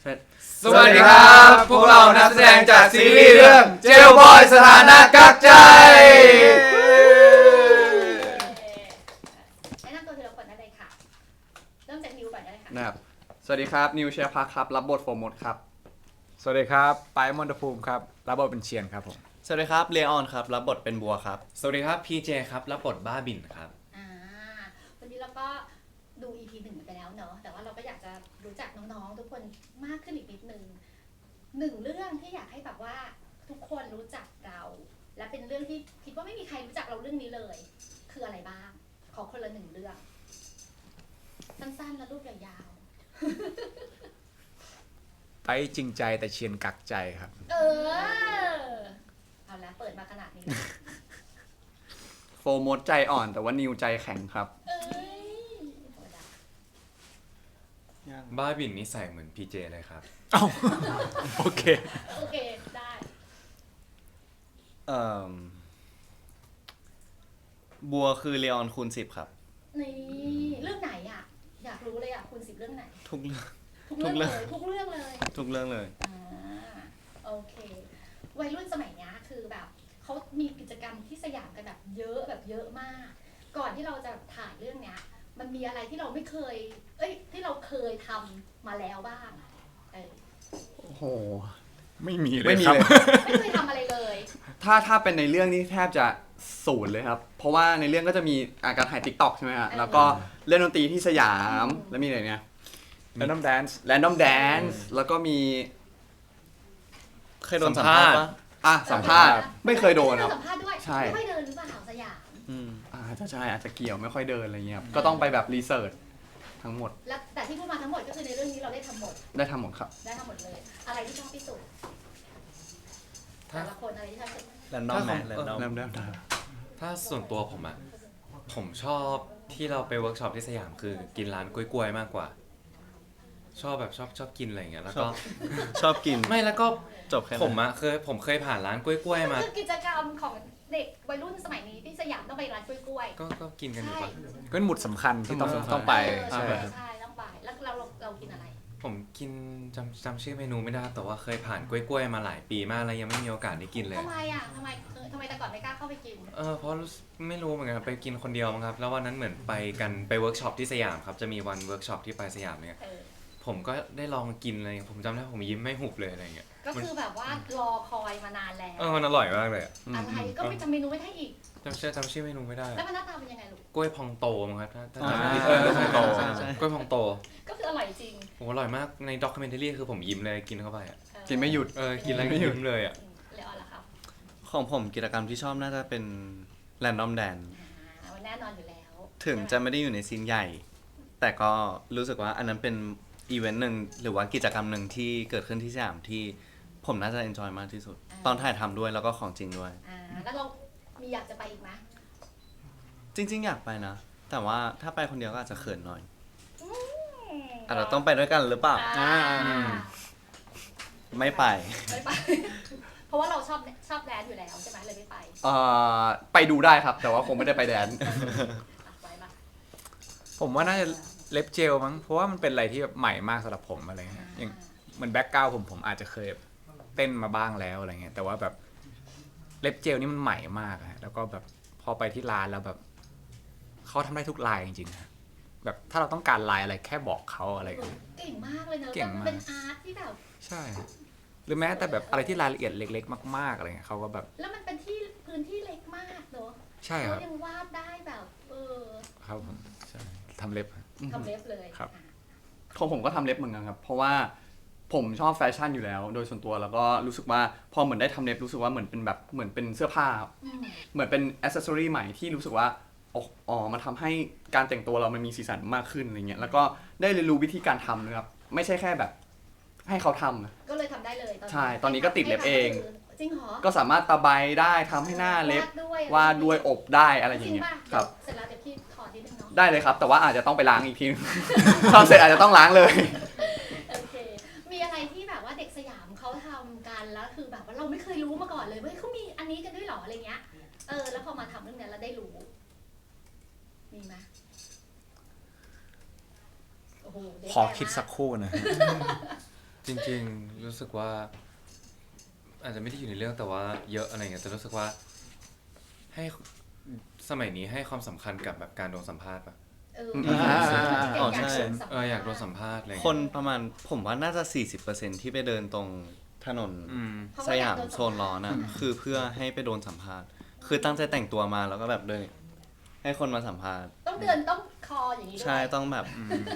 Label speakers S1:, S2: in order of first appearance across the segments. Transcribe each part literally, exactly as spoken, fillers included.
S1: สวัสดีครับพวกเรานักแสดงจากซีรีส์เรื่องเจลบอยสถานะกักใจ
S2: แนะนำตัวทีละคนได้เลยค่ะเริ่มจากนิวก่อนได้เลยค่ะ
S1: นะครับสวัสดีครับนิวเชียร์พักครับรับบทโฟร์มดครับ
S3: สวัสดีครับไปมอนตภูมิครับรับบทเป็นเชียนครับผม
S4: สวัสดีครับเลออนครับรับบทเป็นบัวครับ
S5: สวัสดีครับพีเจครับรับบทบ้าบินครับ
S2: อ่าวันนี้เราก็ดู อี พี หนึ่งไปแล้วเนอะแต่ว่าเราก็อยากจะรู้จักน้องๆทุกคนมากขึ้นอีกนิดนึงหนึ่งเรื่องที่อยากให้แบบว่าทุกคนรู้จักเราและเป็นเรื่องที่คิดว่าไม่มีใครรู้จักเราเรื่องนี้เลยคืออะไรบ้างขอคนละหนึ่งเรื่องสั้นๆและรูปยาว
S3: ๆไปจริงใจแต่เชียนกักใจครับ
S2: เออเอาละเปิดมาขนาดนี้
S1: โฟร์มดใจอ่อนแต่ว่านิวใจแข็งครับ
S2: เอ้ย
S5: บ้าบินนิสัยเหมือนพีเจเลยครับ
S3: อ้าวโอเค
S2: โอเคได้
S4: เอ่อบัวคือเลออนคูณสิบครับ
S2: นี่เรื่องไหนอ่ะอยากรู้เลยอ่ะคุณสิบเรื่องไหน
S4: ทุกเรื่อง
S2: ทุกเรื่องเลยทุกเรื่องเลย
S4: ทุกเรื่องเลย
S2: อ่าโอเควัยรุ่นสมัยนี้คือแบบเขามีกิจกรรมที่สยามกันแบบเยอะแบบเยอะมากก่อนที่เราจะถ่ายเรื่องเนี้ยมันมีอะไรที่เราไม่เคยเอ้ยที่เราเคยทำมาแล้วบ้างเออ
S1: โอ้โห
S3: ไม่มีเลย
S1: ไม่มี
S3: ครับ
S1: เลย
S2: ไม่เคยทำอะไรเลย
S1: ถ้าถ้าเป็นในเรื่องนี้แทบจะศูนย์เลยครับเพราะว่าในเรื่องก็จะมีอาการถ่าย TikTok ใช่ไหมฮะแล้วก็เล่นดนตรีที่สยามแล้วมีอะไรเนี่ย
S3: Random Dance
S1: Random Dance แล้วก็มี
S4: เคยโดนสัมภาษณ์ปะ
S1: อ่ะสัมภาษณ์ไม่เคยโดนครับ
S2: สัมภาษณ์ด้วยไม่ค่อยเดินหรือเปล่าสยาม
S4: อืม
S1: อาจจะใช่อาจจะเกี่ยวไม่ค่อยเดินอะไรเงี้ยก็ต้องไปแบบรีเสิร์ชทั้งหมด
S2: แล้วแต่ที่พูดมาทั้งหมดก็คือในเรื่องนี้เราได้ทำหมด
S1: ได้ทำหมดครับ
S2: ได้ทำหมดเลยอะไรที่ชอบที่สุดแต่ละคนอะไรที่ชอบที่สุด
S4: แรนดอมแมนแรนดอม
S1: เริ่มเริ่มได้
S5: ถ้าส่วนตัวผมอะผมชอบที่เราไปเวิร์กช็อปที่สยามคือกินร้านกล้วยๆมากกว่าชอบแบบชอบชอบกินอะไรอย่างเงี้ยแล้วก็
S4: ชอบกิน
S5: ไม่แล้วก็
S4: จบแค่
S5: ผมอะเคยผมเคยผ่านร้านกล้วยๆมา
S2: คือกิจกรรมของเด็กวัยรุ่นสมัยนี้ที่สยามต้องไปร้านกล้วย
S5: ๆก็ก็กินกันอยู่ปะ
S3: ก็เป็นหมุดสำคัญที่ต้องต้องไป
S2: ใช่ใช่ต้องไปแล้วเราเรากินอะไร
S5: ผมกินจำจำชื่อเมนูไม่ได้แต่ว่าเคยผ่านกล้วยๆมาหลายปีมากแล้วยังไม่มีโอกาสได้กินเลย
S2: ทำไมอ่ะทำไมทำไมแต่ก่อนไม่กล้าเข้าไปกิน
S5: เออเพราะไม่รู้เหมือนกันไปกินคนเดียวมั้งครับแล้ววันนั้นเหมือนไปกันไปเวิร์กช็อปที่สยามครับจะมีวันเวิร์กช็อปที่ไปสยามเนี่ยผมก็ได้ลองกินอะไรผมจำได้ผมยิ้มไม่หุบเลยอะไรเงี้ย
S2: ก็คือแบบว่ารอคอยมานานแล้ว
S5: เออมันอร่อยมากเลย
S2: อะไรก็ไม่จำเมนูไม่ได้อีก
S5: จำชื่อจำชื่อเมนูไม่ได้
S2: แล้วมันหน้าตาเป็นยังไงลูก
S5: กล้วยพองโตมั้งครับถ้าถ้าจำไม่
S4: ผิ
S5: ด
S4: เออ
S5: ใช่โตกล้วยพองโต
S2: ก็คืออร่อยจริง
S5: โอ้อร่อยมากในด็อกคิวเมนทารี่คือผมยิ้มเลยกินเข้าไปอ่ะ
S1: กินไม่หยุด
S5: เออกินแล้วไม่หยุดเลยอ่ะ
S2: แล้วล่ะครับ
S4: ของผมกิจกรรมที่ชอบน่าจะเป็นแรนดอมแดน
S2: แน่นอนอยู่แล้ว
S4: ถึงจะไม่ได้อยู่ในซีนใหญ่แต่ก็รู้สึกว่าอันนั้นเป็นอีเวนต์หนึ่งหรือว่ากิจกรรมหนึ่งที่เกิดขึ้นที่สยามที่ผมน่าจะเอนจอยมากที่สุดตอนถ่ายทำด้วยแล้วก็ของจริงด้วย
S2: อ่าแล้วเรามีอยากจะไปอีกไหม
S4: จริงๆอยากไปนะแต่ว่าถ้าไปคนเดียวก็อาจจะเขินหน่อยอาจจะต้องไปด้วยกันหรือเปล่าไม่ไป
S2: ไม่ไปเพราะว่าเราชอบชอบแดนอยู่แล้วใช่ไหมเลยไม่ไป
S1: เอ่อไปดูได้ครับแต่ว่าคงไม่ได้ไปแดน
S3: ผมว่าน่าจะเล็บเจลมั้งเพราะว่ามันเป็นอะไรที่แบบใหม่มากสำหรับผมอะไรเงี้ยอย่างเหมือนแบ็คกราวด์ผมผมอาจจะเคยเต้นมาบ้างแล้วอะไรเงี้ยแต่ว่าแบบเล็บเจลนี่มันใหม่มากอะแล้วก็แบบพอไปที่ร้านแล้วแบบเขาทำได้ทุกลายจริงๆแบบถ้าเราต้องการลายอะไรแค่บอกเขาอะไรเงี้ย
S2: เก่งมากเลยเนอะ
S3: เก่งมาก
S2: เป็นอาร์ตที่แบบ
S3: ใช่หรือแม้แต่แบบอะไรที่รายละเอียดเล็กๆมากๆอะไรเงี้ยเขาก็แบบ
S2: แล้วมันเป็นที่พื้นที่เล็กมากเนอะ
S3: ใช่ครับ
S2: เขายังวาดได้แบบเออ
S3: ครับผมใช่ทำเล็บ
S2: ทำเล็บเลย
S3: ครับ
S1: ของผมก็ทำเล็บเหมือนกันครับเพราะว่าผมชอบแฟชั่นอยู่แล้วโดยส่วนตัวแล้วก็รู้สึกว่าพอเหมือนได้ทำเล็บรู้สึกว่าเหมือนเป็นแบบเหมือนเป็นเสื้อผ้าเหมือนเป็นอ c เซสซอรี่ใหม่ที่รู้สึกว่าอ๋อมันทำให้การแต่งตัวเรามันมีสีสันมากขึ้นอะไรเงี้ยแล้วก็ได้เรียนรู้วิธีการทำนะครับไม่ใช่แค่แบบให้เขาทำ
S2: ก็เลยทำได้เลย
S1: ใช่ตอนนี้ก็ติดเล็บเอง
S2: จริงเหรอ
S1: ก็สามารถตะไบได้ทำให้หน้าเล็บวาดด้วยอบได้อะไรอย่างเงี้ยครับ
S2: เสร็จแล้วเดี๋ยวพี่ถอดนิดนึงเนาะ
S1: ได้เลยครับแต่ว่าอาจจะต้องไปล้างอีกทีทำเสร็จอาจจะต้องล้างเลย
S2: โอเคมีอะไรที่แบบว่าเด็กสยามเขาทำกันแล้วคือแบบว่าเราไม่เคยรู้มาก่อนเลยว่าเขามีอันนี้กันด้วยหรออะไรเงี้ยเออแล้วพอมาทำเรื่องนี้แล้วได้รู้มีไหม
S3: ขอคิดสักครู่นะ
S5: จริงๆรู้สึกว่า อาจจะไม่ได้อยู่ในเรื่องแต่ว่าเยอะอะไรเงี้ยแต่รู้สึกว่าให้สมัยนี้ให้ความสำคัญกับแบบการโดนสัมภาษณ์ปะ
S2: เออ
S4: อ๋อใช่
S5: เอออยากโดนสัมภาษณ์อะไร
S4: ค
S5: เงี้ย
S4: นประมาณผมว่าน่าจะ สี่สิบเปอร์เซ็นต์ ที่ไปเดินตรงถนน
S5: อืม
S4: สยามโซนร้อนนะคือเพื่อให้ไปโดนสัมภาษณ์ คือตั้งใจแต่งตัวมาแล้วก็แบบเดินให้คนมาสัมภาษณ์
S2: ต้องเดินต้องคออย่างนี้ด้วย
S4: ใช่ต้องแบบ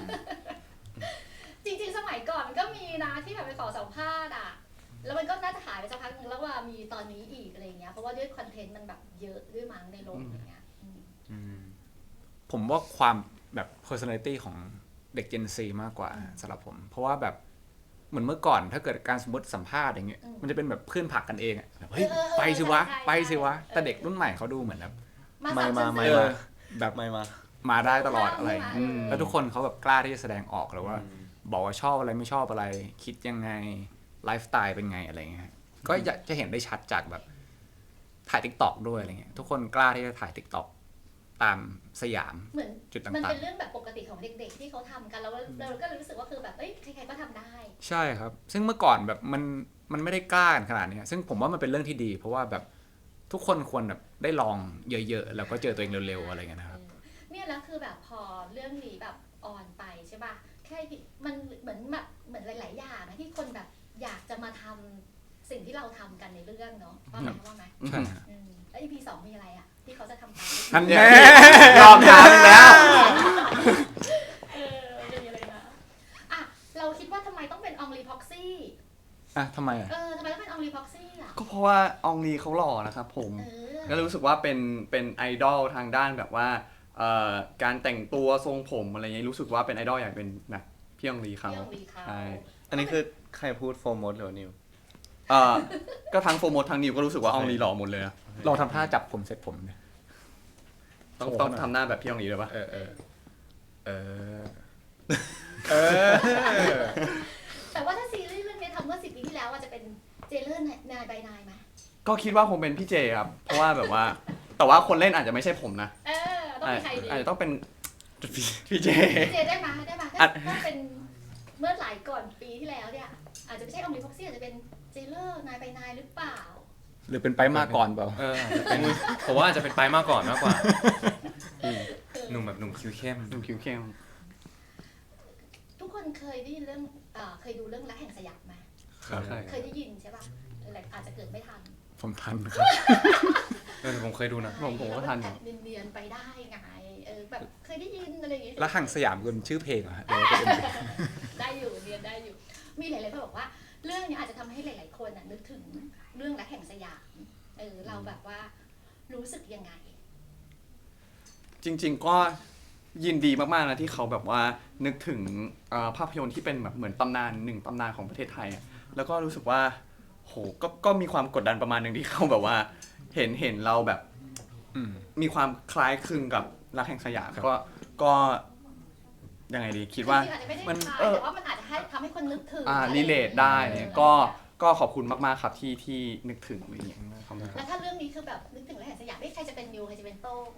S2: จริงๆ สมัยก่อนมันก็มีนะที่แบบไปขอสัมภาษณ์อ่ะ แล้วมันก็น่าจะหายไปสักพักหนึงแล้วว่ามีตอนนี้อีกอะไรเงี้ย เพราะว่าด้วยคอนเทนต์มันแบบเยอะด้วยมั้งในโลกอย่างเงี้ยอืม
S5: อืม
S3: ผมว่าความแบบ personality ของเด็ก Gen Z มากกว่าสำหรับผม เพราะว่าแบบเหมือนเมื่อก่อนถ้าเกิดการสมมติสัมภาษณ์อย่างเงี้ย
S2: อืม
S3: มันจะเป็นแบบเพื่อนผลักกันเองอะแบบเฮ้ย
S2: เออเออ
S3: ไปสิวะ
S2: ใช่ใช่
S3: ไปสิวะ
S2: ใช่
S3: แต่เด็กรุ่นใหม่เขาดูเหมือนแบบ
S2: มา
S4: ไม่
S2: สาม
S4: มา
S2: ชั้น
S4: ไม่
S2: สี่
S4: มา
S3: แบบ
S4: ไม่มา
S3: มาได้ตลอดอะไร
S2: ใช่
S3: อืม
S2: ไหม
S3: แล้วทุกคนเขาแบบกล้าที่จะแสดงออกแล้วว่า
S5: อืม
S3: บอกว่าชอบอะไรไม่ชอบอะไร คิดยังไงไลฟ์สไตล์เป็นไงอะไรเงี้ยก็อยากจะเห็นได้ชัดจากแบบถ่ายทิกตอกด้วยอะไรเงี้ยทุกคนกล้าที่จะถ่ายทิกตอกตามสยาม
S2: เหมือน
S3: จุด
S2: มัน
S3: ต่าง
S2: เป็นเรื่องแบบปกติของเด็กๆ ที่เขาทำกันแล้วเราก็เลยรู้สึกว่าคือแบบเอ้ยใครๆก็ทำได้
S3: ๆ ใช่ครับ ซึ่งเมื่อก่อนแบบมันมันไม่ได้กล้ากันขนาดเนี้ยซึ่งผมว่ามันเป็นเรื่องที่ดี เพราะว่าแบบทุกคนควรแบบได้ลองเยอะๆ แล้วก็เจอตัวเองเร็วๆอะไรเงี้ยนะครับ
S2: เออเนี่ยแล้วคือแบบพอเรื่องนี้แบบออนไปใช่ป่ะแค่มันเหมือนแบบเหมือนหลาย ๆ อย่างนะที่คนแบบอยากจะมาทำสิ่งที่เราทำกันในเรื่องเนาะว่าไหมว่าไหม
S3: ใช่ฮะ
S2: อืมแล้ว อี พี สองมีอะไรอ่ะที่เขาจะทำตาม
S3: อันแน่ยอมถามอีกแล้ว
S2: เออมีอะไรนะอ่ะเราคิดว่าทำไมต้องเป็นอองลีพ็อกซี่
S3: อ่ะทำไมอ่ะ
S2: เออทำไมต้องเป็นอองลีพ็อกซี่อ่ะ
S1: ก็เพราะว่าอองลีเขาหล่อนะครับผม
S2: เออ
S1: ก็เลยรู้สึกว่าเป็นเป็นไอดอลทางด้านแบบว่าเอ่อการแต่งตัวทรงผมอะไรเงี้ยรู้สึกว่าเป็นไอดอลอยากเป็นแบบพี่อองลีเขา
S2: พี่อองลีเขา
S1: ใช่
S4: อันนี้คือใครพูดโฟมดหรือว่านิว
S1: เอ่อก็ทั้งโฟร์โมดทั้งนิวก็รู้สึกว่าอองลีหล่อหมดเลยอะ
S3: ลองทำท่าจับผมเสร็จผมเนี่ย
S1: ต้อง
S3: โชว์
S1: ต้อง
S3: หน่อย
S1: ทำหน้าแบบพี่อองลีเลยปะ
S3: เออเออเออเออ
S2: แต่ว่าถ้าซีรีส์เรื่องนี้ทำเมื่อสิบปีที่แล้วอ่ะจะเป็นเจเลอร์นายบายนายไหม
S1: ก็คิดว่าคงเป็นพี่เจครับ เพราะว่าแบบว่า แต่ว่าคนเล่นอาจจะไม่ใช่ผมนะ
S2: เออต้องมีใครดี
S1: อาจจะต้องเป็นพี่เจ
S2: เจได้ไหมได้ไหม
S1: อ่ะ
S2: ถ้าเป็นเมื่อหลายก่อนปีที่แล้วเนี่ยอาจจะไม่ใช่อองลีพ็อกซี่อาจจะเป็นเจเลอร์นายบายนายหรือเปล่า
S3: หรือเป็นไปมาก่อนเปล่า
S5: เอออาจจะเป็นผมว่าอาจจะเป็นไปมากก่อนมากกว่าหนุ่มแบบหนุ่มคิ้วเข้ม
S1: ดูคิ้วเข้ม
S2: ทุกคนเคยได้ยินเรื่องเอ่อเคยดูเรื่องรักแห่งสยามไหม
S3: ครับ
S1: ใช่
S2: เคยได้ยินใช่ป่ะเออแต่อาจจะเกิดไม่ทัน
S3: ผมทันครับ
S5: เออผมเคยดูนะ
S1: ผมผมก็ทันอยู่
S2: แบบเนียนๆไปได้ไงเออแบบเคยได้ยินอะไรอย่างเงี้ย
S3: แล้วห่างสยามเป็นชื่อเพลงเหรอฮะหรือว่าเป็น
S2: ได้อยู่เรียนได้อยู่ มีหลายๆคนบอกว่า เรื่องนี้อาจจะทำให้หลาย ๆ คนน่ะนึกถึงเรื่องรักแห่งสยามเออเราแบบว่ารู้สึกยังไง
S1: จริง ๆ ก็ยินดีมากๆนะที่เขาแบบว่านึกถึงเอ่อภาพยนตร์ที่เป็นแบบเหมือนตำนานหนึ่งตำนานของประเทศไทยอะแล้วก็รู้สึกว่าโหก็ก็มีความกดดันประมาณหนึ่งที่เขาแบบว่า เห็นเห็นเราแบบ
S3: อืม
S1: มีความคล้ายคลึงกับรักแห่งสยาม
S3: ครับ
S1: ก็ก็ยังไงดีคิดว่า
S2: จริงๆอาจจะไม่ได้
S1: มัน
S2: คล้าย
S1: เออ
S2: แต่ว่ามันอาจจะให้ทำให้คนนึกถึง
S1: อ่า
S2: อะไร
S1: รีเลทได้
S2: ออ
S1: เนี่ยก็ก็ขอบคุณมากๆครับที่ที่นึกถึงอะไรอย่างเงี้ยขอบคุณค
S2: แล้
S1: รับ
S2: วถ้าเรื่องนี้คือแบบนึกถึงรักแห่งสยามไม่ใครจะเป็นนิวใครจะเป็นโต้ง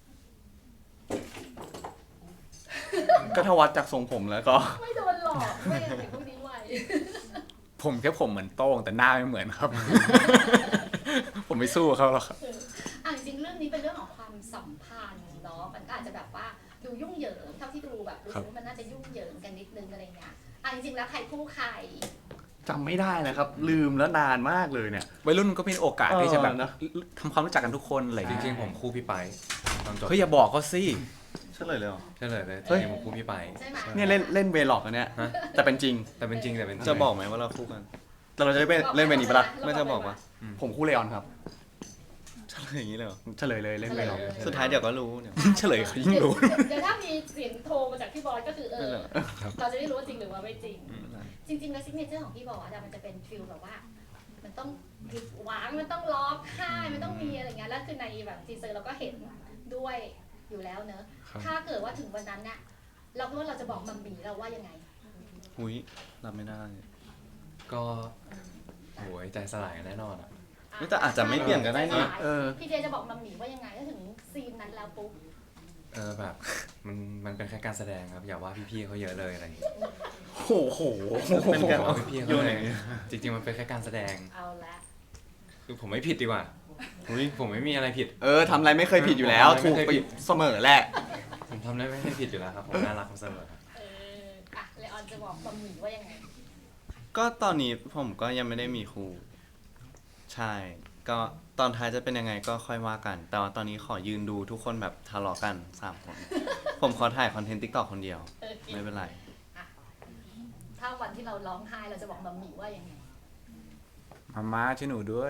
S1: ก็ถ้าวัดจากทรงผมแล้วก็
S2: ไม่โดนหลอกไม่เห็นพวกนี้ไว
S3: ผมแค่ผมเหมือนโต้งแต่หน้าไม่เหมือนครับ ผมไม่สู้เขาหรอกครับ
S2: อ่ะจริงๆเรื่องนี้เป็นเรื่องของความสัมพันธ์เนาะมันก็อาจจะแบบว่าดูยุ่งเหยิงเท่าที่ดูแบบรู้สึกว่ามันน่าจะยุ่งเหยิงกันนิดนึงอะไรเงี้ยอ่ะจริงๆแล้วใครคู่ใคร
S1: จำไม่ได้นะครับ ลืมแล้วนานมากเลยเนี่ย
S3: วัยรุ่นก็มีโอกาสที่จะแบบ
S1: เออนะ
S3: ทำความรู้จักกันทุกคนอะไรอย่าง
S5: จ
S3: เงี้ย
S5: ริงๆผมคู่พี่ไปตอนจบ
S3: เฮ้ยอย่าบอกเขาสิ
S4: เฉลยเลยเหรอ
S5: ใช่เลยเลยจ
S1: เฮ้ย
S5: ริงๆผมคู่พี่ไป
S2: ใช่ไหม
S1: เนี่ยเล่นเล่นเวล็อกอันเนี้ย
S5: ฮะ
S1: แต่เป็นจริง
S5: แต่เป็นจริงแต่เป็นจริง
S4: จะบอกไหมว่าเราคู่กัน
S1: แต่เราจะได้เป็นเล่นเวนี้ปะล่ะ
S4: ไม่จะบอกว่า
S1: ผมคู่เลออนครับ
S4: เฉลยอย่างนี้เลยเหรอ
S1: เฉลยเลยเล่นเวล็อก
S4: สุดท้ายเดี๋ยวก็รู้เนี่ย
S3: ยิ่งเฉลยเขายิ่งรู้
S2: เดี๋ยวถ้ามีเสียงโทรมาจากพี่บอสก็คือเอ
S4: ไม่
S2: อ
S4: เหรอ
S2: เราจะได้รู้ว่าจริงหรือว่าไม่จริง
S4: ไม่เป็นไร
S2: จริงๆแล้วซิกเนเจอร์ของพี่บอสอะมันจะเป็นฟิลแบบว่า มันต้องผิดหวังมันต้องร้องไห้มันต้องมีอะไรเงี้ยแล้วคือในแบบทีเซอร์เราก็เห็นด้วยอยู่แล้วเนอะ
S3: ครับ
S2: ถ้าเกิดว่าถึงวันนั้นน่ะเราคิดว่าเราจะบอกมัมมี่เราว่ายังไง
S4: หุยรับไม่ได้
S5: ก็โหยใจสลายแน่นอนอะ
S4: แต่อาจจะไม่เปลี่ยนก็ได้นี่
S1: เออ
S2: พี่เจจะบอกมัมมี่ว่ายังไงถ้าถึงซีนนั้นแล้วปุ๊บ
S5: เออแบบมันมันเป็นแค่การแสดงครับอย่าว่าพี่ๆเขาเยอะเลยอะไรอย่างเงี้ย
S1: โอ้โห
S4: เป็นการ
S5: อย่าว่าพี่ๆ
S4: โย
S5: เขา
S4: น
S5: เล
S4: อย ย่างนี้
S5: จริงๆมันเป็นแค่การแสดง
S2: เอาละ
S5: คือผมไม่ผิดดีกว่าอุ๊ยผมไม่มีอะไรผิด
S1: เออทำอะไรไม่เคยผิดอยู่แล้ว
S5: ผมทำอะไร
S1: ถูก
S5: ไม่เคย
S1: ไป
S5: ผิด
S1: เสมอแหละ
S5: ผมทำได้ไม่ได้ผิดอยู่แล้วครับผมน่ารักเสมอครับ
S2: เอออ่ะเลออนจะบอกบะหมี่ว่ายังไง
S4: ก็ตอนนี้ผมก็ยังไม่ได้มีครูใช่ ก็ตอนท้ายจะเป็นยังไงก็ค่อยว่ากัน แต่ว่าตอนนี้ขอยืนดูทุกคนแบบทะเลาะกันสามคน ผมขอถ่ายคอนเทนต์ติ๊กต็อกคนเดียว
S2: เออ
S4: ไม่เป็นไร
S2: อ่ะถ้าวันที่เราร้องไห้เราจะบอกบะหมี่ว่ายังไง
S3: มาม่าช่วยหนูด้วย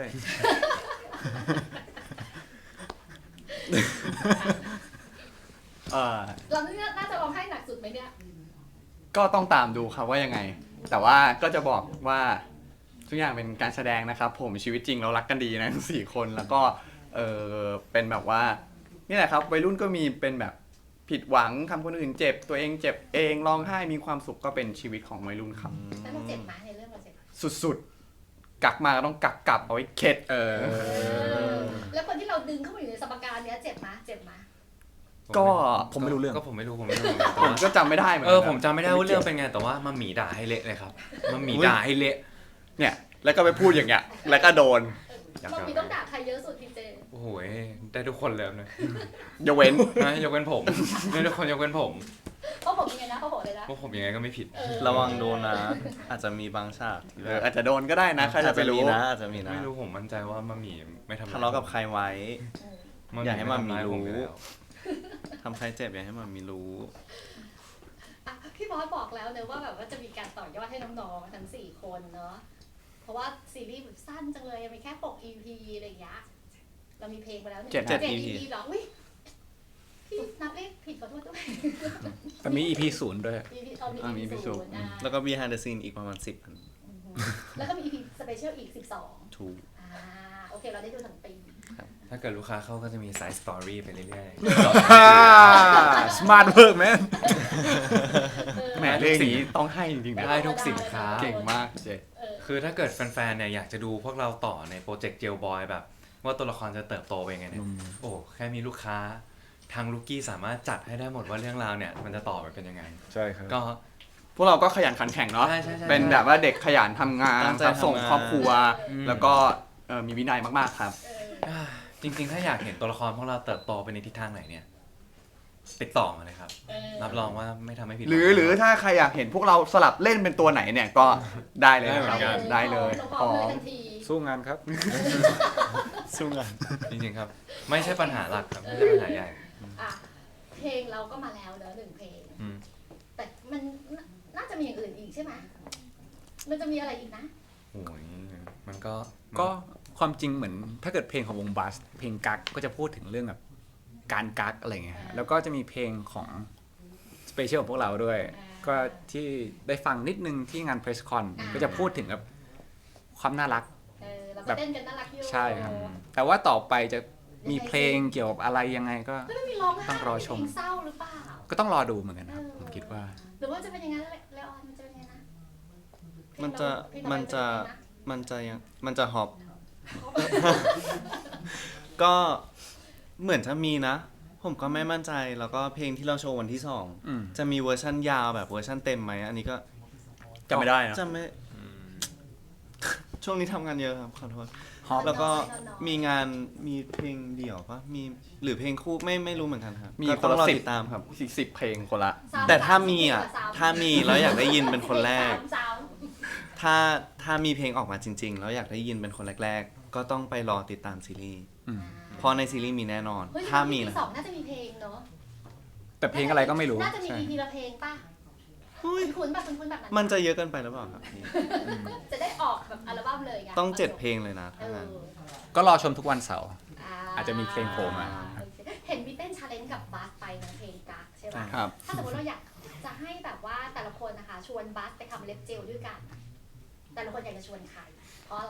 S1: เออ
S2: เราเนี่ยน่าจะร้องไห้หนักสุดไหมเนี่ย
S1: ก็ต้องตามดูครับว่ายังไง แต่ว่าก็จะบอกว่าทุกอย่างเป็นการแสดงนะครับ ผมชีวิตจริงเรารักกันดีนะทั้งสี่คนแล้วก็เออเป็นแบบว่านี่แหละครับวัยรุ่นก็มีเป็นแบบผิดหวังทำคนอื่นเจ็บ ตัวเองเจ็บเองร้องไห้มีความสุขก็เป็นชีวิตของวัยรุ่นครับ
S2: แล้วเราเจ็บไหมในเรื่องเราเจ็บไหม
S1: สุดๆกักมาก็ต้องกักกลับเอาไว้เข็ด
S3: เออ
S2: เออแล้วคนที่เราดึงเข้ามาอยู่ในสมการเนี้ยเจ็บไหมเจ็บไหม
S1: ก็
S3: ผมไม่รู้เรื่อง
S5: ก็ผมไม่รู้ผมไม่รู้เหมือนกันแต่
S1: ผม
S5: ว่า
S1: ก็จำไม่ได้เหมือน
S5: เอ
S1: กั
S5: อน ผมจำไม่ได้ว่าเรื่องเป็นไงแต่ว่ามาหมีด่าให้เละเลยครับมาหมีด่าให้เละ
S1: เนี่ยแล้วก็ไปพูดอย่างเงี้ยแล้วก็โดน
S5: อยาก
S2: บะหมี่ต้องด่าใครเยอะสุดพี่เจ
S5: โอ้โหได้ทุกคนเลยนะ
S1: ยกเว้น
S5: นะยกเว้นผมได้ทุกคนยกเว้นผม
S2: เพราะผมยังไงนะเพราะผมเลยนะ
S5: พวกผมยังไงก็ไม่ผิด
S2: เออ
S4: ระวังโดนนะ อาจจะมีบางฉากที่
S1: เอ
S4: แบ
S1: อบ อาจจะโดนก็ได้นะใครจะไปรู้
S4: อาจมีนะอาจจะมีนะ
S5: ไม่รู้ผมมั่นใจว่ามาหมีไม่ทำ
S4: ทะเลาะกับใครไว้
S2: เออ
S4: อย่าให้มาหมีรู้
S5: ไทำายผอยู่แล้ว
S4: ทำใครเจ็บอย่าให้มันมีรู้
S2: อ่ะพี่บอสบอกแล้วเนอะว่าแบบว่าจะมีการต่อยอดให้น้องๆทั้งสี่คนเนอะเพราะว่าซีรีส์แบบสั้นจังเลยมีแค่ปก อี พี อะไรอย่างเงี้ยเรามีเพลงไปแล้วหนึ่ง
S1: เจ็ด
S2: เจ็ด
S4: อี
S2: อี
S4: พี
S2: พีเหรออุ้ยพี่นับเลขผิดขอโทษด้วย
S3: แต่มี อี พี ศูนย์ด้วย
S2: อีพีเอามี
S1: อ่ามี
S2: อี
S1: อี
S2: พี
S1: พีศู
S2: ศู
S1: นย์
S2: นย์อ่า
S4: แล้วก็ behind the scene อีกประมาณสิบอัน
S2: อือฮึแล้วก็มีอีพีสเปเชียลอีกสิบสอง
S4: ถูก
S2: อ่าโอเคเราได้ดูทั้งปี
S5: ถ้าเกิดลูกค้าเข้าก็จะมีสายสตอรี่ไปเรื่อย
S3: สมาร์ทเวิร์กแมน
S1: แหมเรื่องนี้ต้องให้จริงๆ
S5: ๆ
S1: นะ
S5: ได้ทุกสินค้า
S1: เก่งมากเจ
S2: เออ
S5: คือถ้าเกิดแฟนๆเนี่ยอยากจะดูพวกเราต่อในโปรเจกต์เจลบอยแบบ ว่าตัวละครจะเติบโตไปยังไงเนี่ยโอ้แค่มีลูกค้าทางลูกกี้สามารถจัดให้ได้หมดว่าเรื่องราวเนี่ยมันจะต่อไปเป็นยังไง
S3: ใช่ครับ
S5: ก็
S1: พวกเราก็ขยันขันแข่งเนาะ
S5: ใช่ใช่ใช่
S1: เป็นแบบว่าเด็กขยันทำงาน
S4: ตั้งใจ
S1: ครับส่ง
S4: ทำงาน
S1: ครอบครัว
S5: อืม
S1: แล้วก็เอ่อมีวินัยมากๆครับ
S2: เออ
S5: อ่าจริงๆ ถ้าอยากเห็นตัวละครพวกเราเติบโตไปในทิศทางไหนเนี่ยติดต่อมาเลยครับ
S2: เออ
S5: รับรองว่าไม่ทำให้ผิด
S1: หรือ
S5: วัง
S1: หรือถ้าใครอยากเห็นพวกเราสลับเล่นเป็นตัวไหนเนี่ยก็ได้เลย
S5: ได้เหมื
S1: ค
S5: อ
S1: รับ
S5: นกัน
S1: ได้เลย
S2: เราพ
S1: พ
S2: ร้อ
S1: ร้
S2: ม
S1: อ
S2: เลย
S1: ม
S2: ทันที
S3: สู้งานครับ
S4: สู้งาน
S5: จริงๆครับ ไม่ใช่ปัญหาหลักครับไม่ใช่ปัญหาใหญ่
S2: อ่ะเพลงเราก็มาแล้วเนอะหนึ่งเพลง
S5: อืม
S2: แต่มันน่าน่าจะมีอย่างอื่นอีกใช่ไหมมันจะมีอะไรอีกนะ
S5: โอ้ยมันก็
S3: ก็ความจริงเหมือนถ้าเกิดเพลงของวงบัสเพลงกักก็จะพูดถึงเรื่องแบบการกักอะไรเงี้ยฮะแล้วก็จะมีเพลงของสเปเชียลของพวกเราด้วย
S2: อ่า
S3: ก็ที่ได้ฟังนิดนึงที่งานเพรสคอน
S2: อ่า
S3: ก็จะพูดถึงแบบความน่ารัก
S2: เออเรา
S3: แบ
S2: ก็
S3: บ
S2: เต้นกันน่ารักอยู่
S3: ใช่ครับ แต่ว่าต่อไปจะมีเพลงเกี่ยวกับอะไรยังไงก็
S2: ก็ไม่มีร้องไห้
S3: ต้องรอชม
S2: เพลงเศร้าหรือเปล่า
S3: ก็ต้องรอดูเหมือนกันครับผมคิดว่า
S2: หรือว่าจะเป็นยังไงเลออนมันจะเป็นยังไงนะ
S4: มันจะ
S2: เพลงเรา
S4: มันจะ
S2: เพลงเรา
S4: มันจะยังมันจะฮอป
S2: เป็นยังไงนะ
S4: ก็เหมือนจะมีนะ ผมก็ไม่มั่นใจแล้วก็เพลงที่เราโชว์วันที่สอง
S3: อืม
S4: จะมีเวอร์ชั่นยาวแบบเวอร์ชั่นเต็มไหมอันนี้ก็
S1: จำไม่ได้นะ
S4: จำไม่ช่วงนี้ทำงานเยอะครับขอโทษ
S3: ฮอป
S4: แล้วก็มีงานมีเพลงเดี่ยวปะมีหรือเพลงคู่ไม่ไม่รู้เหมือนกันครับ
S1: มี
S4: ก็
S1: ค
S4: ต้อน ง
S1: ละ
S4: รอ
S1: สิบ
S4: ติดตามครับ
S1: สิบสิบเพลงคนละ
S2: สาม
S4: แต่ถ้า
S2: ส
S4: มีอ่ะ
S2: สม
S4: ถ้ามีแล้วอยากได้ยินเป็นคนแรก
S2: สามสาม
S4: ถ้าถ้ามีเพลงออกมาจริง ๆ แล้วอยากได้ยินเป็นคนแรก ๆ ก็ต้องไปรอติดตามซีรีส์
S3: อืม
S4: เพราะในซีรีส์มีแน่นอน
S2: เฮ้ย
S4: ถ้ามี
S2: อี
S4: นะ
S2: พีสองน่าจะมีเพลงเนาะ
S3: แต่เพลงอะไรก็ไม่รู้
S2: น่าจะมี
S3: ใช่
S2: อีพีละเพลงป่ะ
S4: เฮ้ย
S2: คุ้นๆแบบคุ้นๆแบบนั้น
S4: มันจะเยอะเกินไปหรือเปล่าครับพี่
S2: จะได้ออกแบบอัลบั้มเลยไง
S4: ต้องเจ็ดเพลงเลยนะ
S2: เอ
S4: ถ้างั้น
S2: อ
S3: ก็รอชมทุกวันเสาร์
S2: อ่า
S3: อาจจะมีเพลงโผล่มา
S2: โอเคเห็นพี่เต้นชาเลนจ์กับบัสไปนะเพลงกักใช่ป่ะ
S1: ครับ
S2: ถ้าสมมติเราอยากจะให้แบบว่าแต่ละคนนะคะ ชวนบัสไปทำเล็บเจลด้วยกัน แต่ละคนอยากจะชวนใคร เพราะอะไร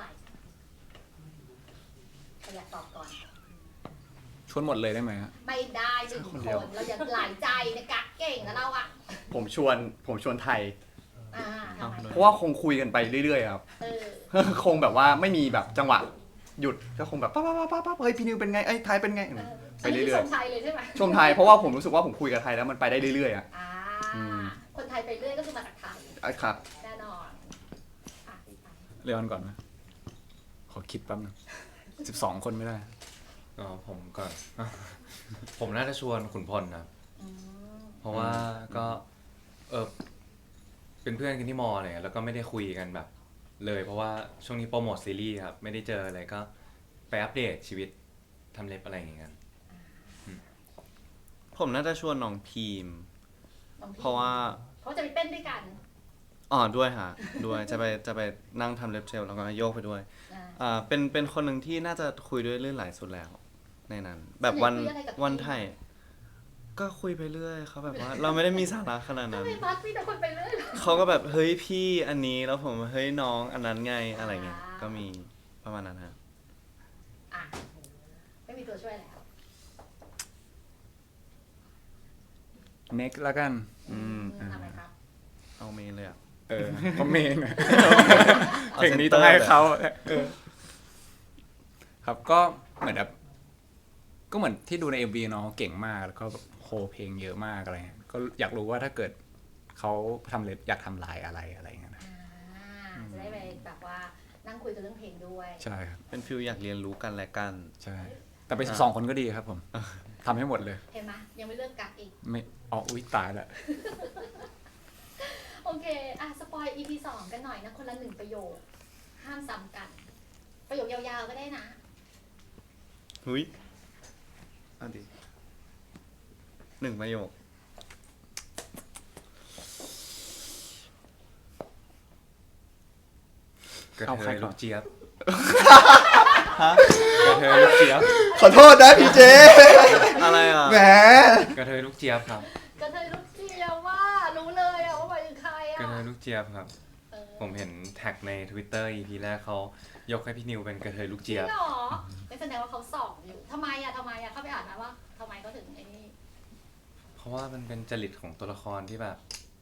S2: ใครอยากตอบก่อน
S3: ชวนหมดเลยได้ไหมฮะ
S2: ไม่ได้หนึ่ง
S1: ค
S2: คน น
S1: เดียว
S2: เราอยากหลายใจนะกักเก่งนะเราอ่ะ
S1: ผมชวนผมชวนไทย
S2: อ่าทำไม
S1: เพราะว่าคงคุยกันไปเรื่อยๆครับ
S2: เออ
S1: คงแบบว่าไม่มีแบบจังหวะหยุดก็คงแบบป้าป้าป้าป้าเฮ้ยพี่นิวเป็นไงไอ้ยไทยเป็นไง
S2: เออ
S1: ไปเรื่อย
S2: ชมไทยเลยใช่ไหม
S1: ๆชมไทยเพราะว่าผมรู้สึกว่าผมคุยกับไทยแล้วมันไปได้เรื่อยๆอ่ะ
S2: อ่า
S1: อืม
S2: คนไทยไปเรื่อยก็คือมาจากไทย
S1: อ่ะครับ
S2: แน่นอนอ่ะพี่ไป
S3: เลออนก่อนนะขอคิดแป๊บนึงสิบสองคนไม่ได้
S5: อ๋อผมก่อน ผมน่าจะชวนขุนพลนะ
S2: อืม
S5: เพราะว่าก็เออเป็นเพื่อนกันที่มอเลยแล้วก็ไม่ได้คุยกันแบบ เลย เพราะว่าช่วงนี้โปรโมทซีรีส์ครับไม่ได้เจออะไรก็ไปอัปเดตชีวิตทำเล็บอะไรอย่างเงี้ย
S4: ผมน่าจะชวนน้องพีม
S2: น้องพี่
S4: เพราะว่า
S2: เพราะจะไปเต้นด้วยกัน
S4: อ๋อด้วยฮะด้วยจะไปจะไปนั่งทำเล็บเจลแล้วก็โยกไปด้วย
S2: อ่า
S4: อ่าเป็นเป็นคนหนึ่งที่น่าจะคุยด้วยเรื่องหลายสุดแล้ว ในนั้น แบบวัน
S2: คุยอะไรกับพี่
S4: วันไทยก็คุยไปเรื่อยเขาแบบว่า เราไม่ได้มีสาระขนาด
S2: ทำ
S4: นั้น
S2: ไมบัสมีแต่คนไปเรื่อยเหรอ
S4: เขาก็แบบเฮ้ยพี่อันนี้แล้วผมเฮ้ยน้องอันนั้นไงอะไรเงี้ย
S2: อ่า
S4: ก็มีประมาณนั้นฮะ
S2: อ่ะไม่มีตัวช่วยแล้ว
S3: next แล้วกัน
S4: อืม
S2: ทำไมครับ
S4: เอาเมนเลยอ่ะ
S3: เออเพราะเมนอะ
S4: เอา
S3: เพลงนี้
S4: center
S3: ต้องให้เขาเออครับก็เหมือนแบบก็เหมือนที่ดูใน เอ็ม วี เนาะเก่งมากแล้วก็แบบโฮเพลงเยอะมากอะไรเงี้ยก็อยากรู้ว่าถ้าเกิดเขาทำเล็บอยากทำลายอะไรอะไรเงี้ยนะ
S2: อ่าจะได้ไปแบบว่านั่งคุยกันเรื่องเพลงด้วย
S3: ใช่ครับ
S4: เป็นฟิลอยากเรียนรู้กันและกัน
S3: ใช่ แต่ไปสิบสองคนก็ดีครับผมทำให้หมดเลย
S2: เห็นไหมยังไม่เลิกกักอีก
S3: ไม่อ๋ออุ้ยตายละ
S2: โอเค อ่ะ สปอย อี พี สองกันหน่อยนะ คนละหนึ่งประโยค ห้ามซ้ำกัน ประโยคยาวๆก็ได้นะ
S4: หุยเอันดีหนึ่งประโยค
S5: กระ
S3: เอา
S5: เท
S3: ใคร
S5: ย
S3: ก่
S5: ลู
S3: อน
S5: กเจี๊ยบ
S3: กระเทยลูกเจี๊ยบ
S1: ขอโทษนะพี่เจ
S4: อะไรอ่ะ
S1: แหม
S5: กระเทยลูกเจี๊ยบครับ
S2: กระเทยลูกเจียวว่า รู้เลยอะว่าหมายถึงใคร
S5: กระ
S2: อะ
S5: เทยลูกเจี๊ยบครับ
S2: เออ
S5: ผมเห็นแท็กใน Twitter อี พี แรกเขายกให้พี่นิวเป็นกระเทยลูก
S2: จริ
S5: เจี๊ย
S2: ง
S5: บ
S2: เหรอไม่แสดงว่าเขาส่องอยู่ทำไมอะทำไมอะเข้าไปอ่านนะว่าทำไมเขาถึงไอ้นี่
S5: เพราะว่ามันเป็นจริตของตัวละครที่แบบ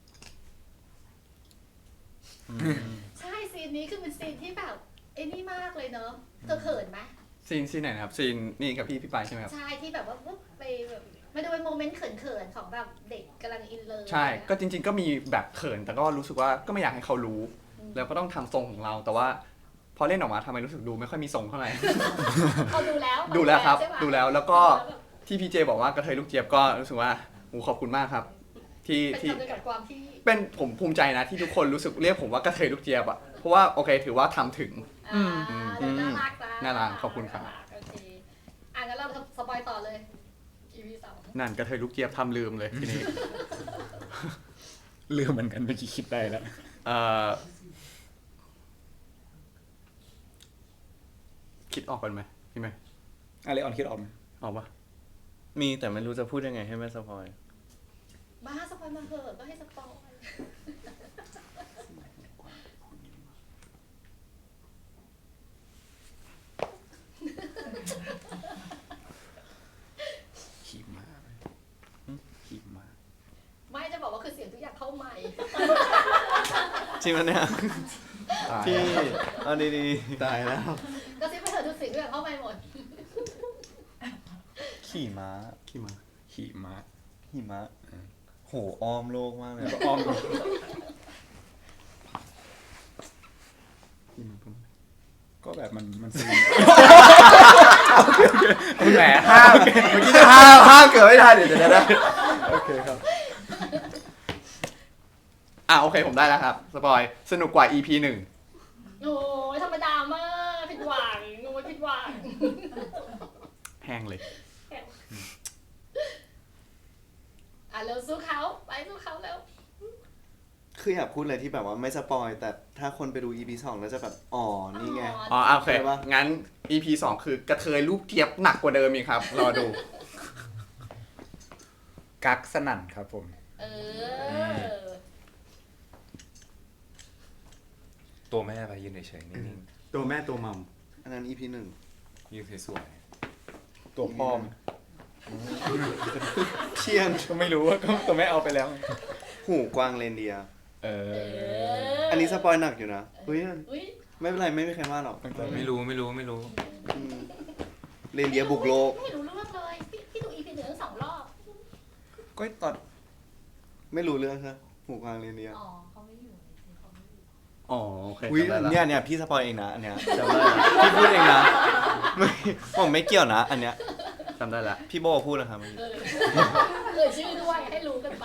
S2: ใช่ซีนนี้คือเป็นซีนที่แบบไอ้นี่มากเลยเนอะเธอเขินไหม
S1: ซีนซีนไหนนะครับซีนนี่กับพี่พี่ปายใช่ไหมครับ
S2: ใช่ที่แบบว่าปุ๊บไปแบบมาดูเป็นโมเมนต์เขินๆของแบบเด็กกำลังอินเลิฟ
S1: ใช่ ก็จริง ๆ ก็มีแบบเขินแต่ก็รู้สึกว่าก็ไม่อยากให้เขารู้ แล้วก็ต้องทำทรงของเรา แต่ว่าพอเล่นออกมาทำไมรู้สึกดูไม่ค่อยมีทรงเท่าไหร่
S2: เขาดูแล้ว
S1: ดูแล้วครับ
S2: ใช่ปะ
S1: ดูแล้วแล้วก็ที่พี่เจบอกว่ากระเทยลูกเจี๊ยบก็รู้สึกว่าโอ้ขอบคุณมากครับ ที่
S2: เป็น
S1: ที่
S2: คำจำกัดความที่
S1: เป็นผมภูมิใจนะที่ทุกคนรู้สึกเรียกผมว่ากระเทยลูกเจี๊ยบอะเพราะว่าโอเคถือว่าทำถึง
S2: อ่าเดี๋ยวน่ารักนะ
S1: น่ารักขอบคุณครับ
S2: โอเคอ่ะงั้นเราสปอยต่อเลย อี พี สอง
S1: นั่นกระเทยลูกเจี๊ยบทำลืมเลยทีนี้
S3: ลืมเหมือนกันเมื่อกี้คิดได้แล้ว
S1: เอ่อคิดออกกันไหมพี่ไหม
S3: อะไรออนคิดออกไหม
S1: ออกปะ
S4: มีแต่ไม่รู้จะพูดยังไงให้ไม่สปอย
S2: บ้าสปอยมาเหอะก็ให้สปอย
S3: ขี่ม้าเลยขี่ม้า
S2: ไม่จะบอกว่าคือเสียงทุกอย่างเข้าใหม่
S4: จริงมันเนี่ย
S1: ตาย
S4: พี่เอาดี
S1: ตายแล้ว
S2: ก็ซิไปเถอะทุกสิ่งทุกอย่างเข้าใหม่หมด
S4: ๆขี่ม้า
S1: ขี้มา
S3: ขี่ม้า
S4: ขี่ม้าโหอ้อมโลกมากเลย
S3: ก็อ้อม
S1: ขี้มาปุ๊บ
S3: ก็แบบมันมันซีน
S1: แหมห้ามเมื่อกี้จะห้ามห้ามเกิดไม่ทันเดี๋ยวเดี๋ยวนะโอเคครับ อ่ะโอเคผมได้แล้วครับสปอยสนุกกว่า อี พี หนึ่ง
S2: โอ้ยธรรมดามากผิดหวังโอ้ยผิดหวัง
S1: แห้งเลย
S2: อ่ะเร็วสู้เขาไปสู้เขาเร็ว
S4: คืออยากพูดอะไรที่แบบว่าไม่สปอยแต่ถ้าคนไปดู อี พี สองแล้วจะแบบอ๋อนี่ไง
S1: อ๋อโอเค
S4: ใช่ปะ
S1: งั้น อี พี สองคือกระเทยลูกเจี๊ยบหนักกว่าเดิมอีกครับ รอดู
S3: กักสนั่นครับผม
S2: เออ
S5: ตัวแม่ไปยืนเฉยๆนิ่ง
S1: ตัวแม่ตัวมัม
S4: อันนั้น อี พี หนึ่ง
S5: ๆยืนสวย
S3: ตัวพ่อม
S4: เชียน
S3: ก็ไม่รู้ว่าก็ตัวแม่เอาไปแล้ว
S4: หูกวางเรนเดียร์
S3: เอ
S2: เอ
S3: อ
S2: อ
S4: อันนี้สปอยหนักอยู่นะเฮ้ย
S2: อุ้ย
S4: ไม่เป็นไรไม่มีใครว่าหรอก
S5: ๆไม่รู้ไม่รู้ไม่รู้
S4: อืมเรนเดียร์บุกโลก
S2: ไม่รู้เรื่องเลยพี่พี่
S4: ก็ตอนไม่รู้เรื่องครับหูกวางเรียนเดียว
S2: อ๋อเขาไม่อยู่ในซีเขาไม่อยู่
S1: อ๋อโอเค
S4: อุ้ย
S1: จำได้ละ
S4: เนี่ยเนี่ยพี่สปอยเองนะอันเนี้ยจำได้ละพี่พูดเองนะไม่ผมไม่เกี่ยวนะ อันเนี้ย
S1: จำได้ละ
S4: พี่โบพูดนะครับเมื่อกี้
S2: เออเอ่ยชื่อด้วยให้รู้กันไป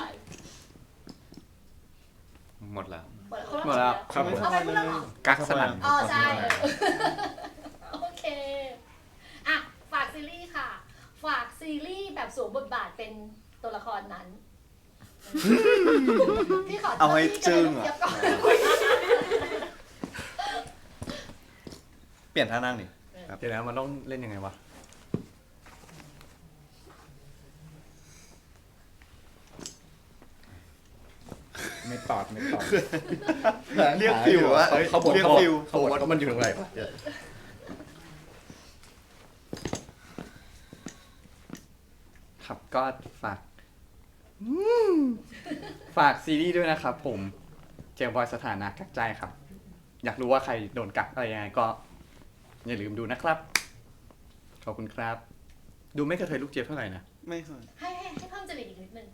S5: หมดแล้ว
S2: หมดแล้ว
S1: หมดแล้วครับผม
S2: เอาไปพูดแล้วเหรอ
S3: กักสนั่น
S2: อ๋อใช่โอเคอ่ะฝากซีรีส์ค่ะ ฝากซีรีส์แบบสวมบทบาทเป็นตัวละครนั้นพี่ขอ
S4: เอาให้จึ้ง
S2: อะ
S4: อ่ะเปลี่ยนท่านั่งดิ
S1: เดี๋ยวนะมันต้องเล่นยังไงวะ
S3: ไม่ตอดไม่ตอด
S4: เรียกฟิวอะ
S1: เขาเขาบอก
S4: เรียก
S1: เขาบอก
S4: ฟิว
S1: เขาบอกว่ามันอยู่ตรงไหนวะเดี๋ยวครับก็ฝากอืมฝากซีรีส์ด้วยนะครับผมเจมส์บอยสถานะกักใจครับ อยากรู้ว่าใครโดนกักอะไรยังไงก็ อย่าลืมดูนะครับ ขอบคุณครับ ดูไม่กระเทยลูกเจี๊ยบเท่าไหร่นะ
S4: ไม่เคย
S2: ให้ให้ให้เพิ่มจริตอีกนิดนึง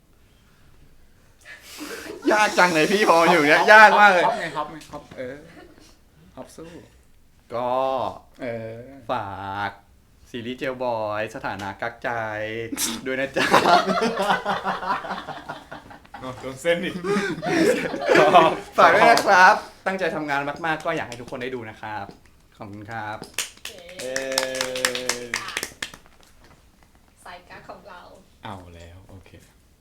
S1: ยากจังเลยพี่พออยู่เนี้ยยากมากเลย
S3: ฮอปไงฮอปไงฮอปเออฮอปสู้
S1: ก็
S3: เออ
S1: ฝากซีรีส์เจลบอยสถานะกักใจ ด้วยนะจ๊ะ
S3: โดนเส้นอีก
S1: ฝากด้วยนะครับ ตั้งใจทำงานมากๆ ก็อยากให้ทุกคนได้ดูนะครับ ขอบคุณครับ
S2: โอเค
S4: เออ
S2: อ่ะสายการดของเรา
S3: เอาแล้วโอเค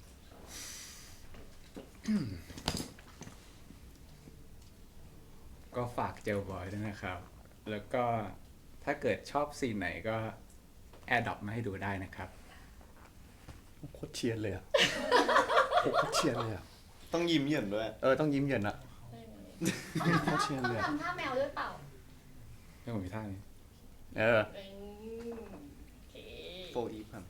S3: ก็ฝากเจลบอยด้วยนะครับ แล้วก็ถ้าเกิดชอบซีนไหนก็แอดดอปมาให้ดูได้นะครับ
S1: โคตรเชียนเลยอะโคตรเชียนเลยอะ
S4: ต้องยิ้มเหยินด้วย
S1: เออต้องยิ้มเย็นอะ
S2: ต้อง
S1: เขาเชียร์เลยอะ
S2: ทำท่าแมวด้วยเปล่า
S3: ไม่ผมมีท่านี้
S1: เออ
S2: อืมโอเค
S4: โฟอีผ่านไป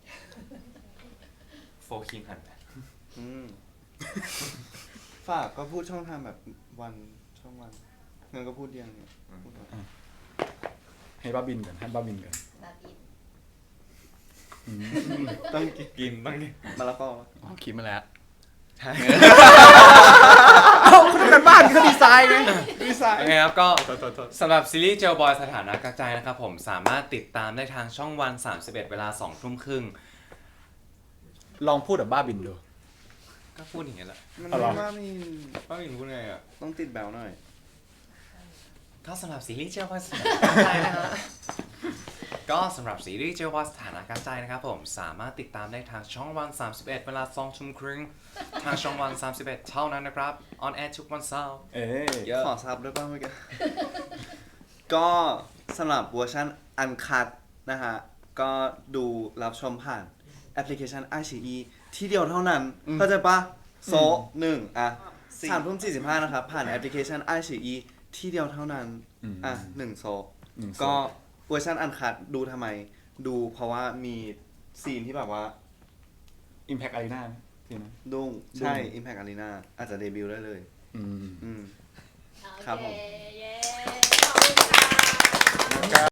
S5: โฟคิงหันไป
S4: อืมฝากก็พูดช่องทางแบบวันช่องวันเงินก็พูดเดียวเนี่ยพูดหน่อย
S3: ให้บ้าบินก่อนให้บ้าบินก่อน
S2: นาบิน
S3: อืม
S4: ต้อง
S5: กินบ้างดิ
S4: มะละกอ
S1: อ๋อคิดมาแล้ว
S5: ใช่
S3: เอ้าเขาทำกันบ้านเขาดีไซน์ไงดีไซ
S5: โอ
S3: น์
S5: เคครับก็สำหรับซีรีส์เจลบอยสถานะกักใจนะครับผมสามารถติดตามได้ทางช่องวันสามสิบเอ็ดเวลาสองทุ่มครึ่ง
S3: ลองพูดแบบบ้าบินดู
S5: ก็พูดอย่างเงี้ยแหละ
S4: มัน
S3: เอาเหรอ
S4: ไม่ว่ามี
S5: ป้าหมิงพูดไงอ่ะ
S4: ต้องติดแบวหน่อย
S5: ก็สำหรับซีรีส์เจลบอยสถานะกักใจนะฮะก็สำหรับซีรีส์เจลบอยสถานะกักใจนะครับผมสามารถติดตามได้ทางช่องวันสามสิบเอ็ดเวลาสองทุ่มครึ่งทางช่องวันสามสิบเอ็ดเท่านั้นนะครับออนแอร์ทุกวันเสาร์
S3: เอ๊ะ
S5: เยอะ
S4: ขอซับด้วยป่ะเมื่อกี้ ก็สำหรับเวอร์ชันอันคัดนะฮะ ก็ดูรับชมผ่านแอปพลิเคชัน ไอ ซี อี ที่เดียวเท่านั้น เข้าใจปะโซะหนึ่งอ่ะสามทุ่มสี่สิบห้านะครับ ผ่านแอปพลิเคชัน ไอ ซี อี ที่เดียวเท่านั้น อ่ะหนึ่งโซะ
S3: หนึ่งโซ
S4: ก็เวอร์ชันอันคัดดูทำไม ดูเพราะว่ามีซีนที่แบบว่า
S3: อิมแพคอารีนาทีนั้น
S4: ดุ้งใช่
S3: ดุ้ง
S4: Impact Arena อาจจะเดบิวต์ได้เลย
S3: อืม
S4: อืม
S2: โอ
S4: ครับ
S2: เค
S4: ผม
S2: เย้ขอบคุณค่ะ